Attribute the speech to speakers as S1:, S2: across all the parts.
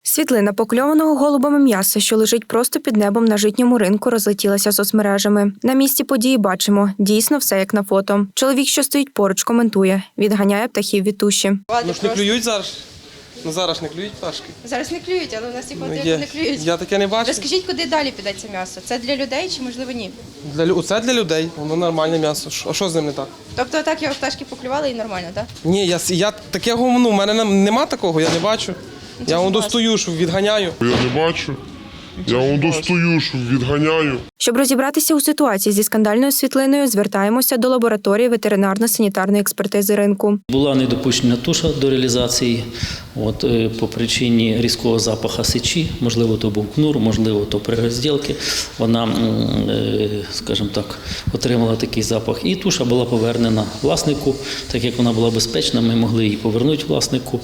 S1: Світлина покльованого голубами м'яса, що лежить просто під небом на житньому ринку, розлетілася соцмережами. На місці події бачимо, дійсно все як на фото. Чоловік, що стоїть поруч, коментує, відганяє птахів від туші.
S2: Ну ж не клюють зараз? Ну зараз не клюють пташки?
S3: Зараз не клюють, але у нас їх не клюють.
S2: Я таке не бачу.
S3: Розкажіть, куди далі піде це м'ясо? Це для людей чи, можливо, ні?
S2: Оце для людей, воно нормальне м'ясо. А що з ним не так?
S3: Тобто так його пташки поклювали і нормально, так?
S2: Ні, я такого, в мене нема такого, я не бачу. Я вам достаю, що відганяю.
S4: Я не бачу. Я вам достаю, що відганяю.
S1: Щоб розібратися у ситуації зі скандальною світлиною, звертаємося до лабораторії ветеринарно-санітарної експертизи ринку.
S5: Була недопущена туша до реалізації по причині різкого запаху сечі, можливо, то був кнур, можливо, то при розділці. Вона, скажімо так, отримала такий запах. І туша була повернена власнику, так як вона була безпечна, ми могли її повернути власнику.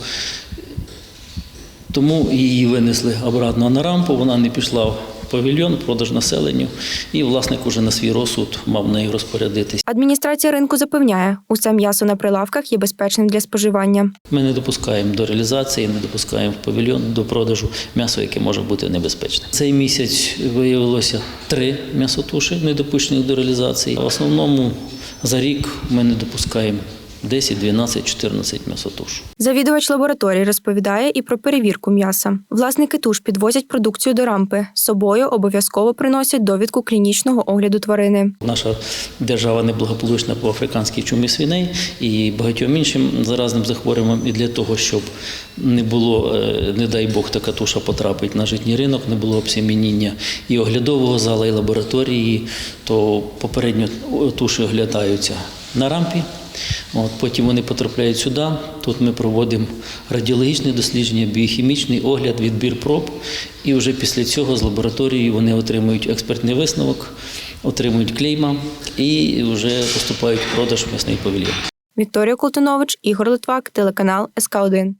S5: Тому її винесли обратно на рампу, вона не пішла в павільйон, продаж населенню, і власник уже на свій розсуд мав нею розпорядитись.
S1: Адміністрація ринку запевняє, усе м'ясо на прилавках є безпечним для споживання.
S5: Ми не допускаємо до реалізації, не допускаємо в павільйон до продажу м'ясо, яке може бути небезпечним. Цей місяць виявилося 3 м'ясотуші, недопущених до реалізації. В основному за рік ми не допускаємо 10, 12, 14 м'ясотуш.
S1: Завідувач лабораторії розповідає і про перевірку м'яса. Власники туш підвозять продукцію до рампи. З собою обов'язково приносять довідку клінічного огляду тварини.
S5: Наша держава неблагополучна по африканській чумі свиней і багатьом іншим заразним захворюванням. І для того, щоб не було, не дай Бог, така туша потрапить на житній ринок, не було обсемініння і оглядового зала, і лабораторії, то попередньо туші оглядаються на рампі. Потім вони потрапляють сюди, тут ми проводимо радіологічне дослідження, біохімічний огляд, відбір проб, і вже після цього з лабораторії вони отримують експертний висновок, отримують клейма і вже поступають в продаж в м'ясний павільйон.
S1: Вікторія Колтунович, Ігор Литвак, телеканал СК1.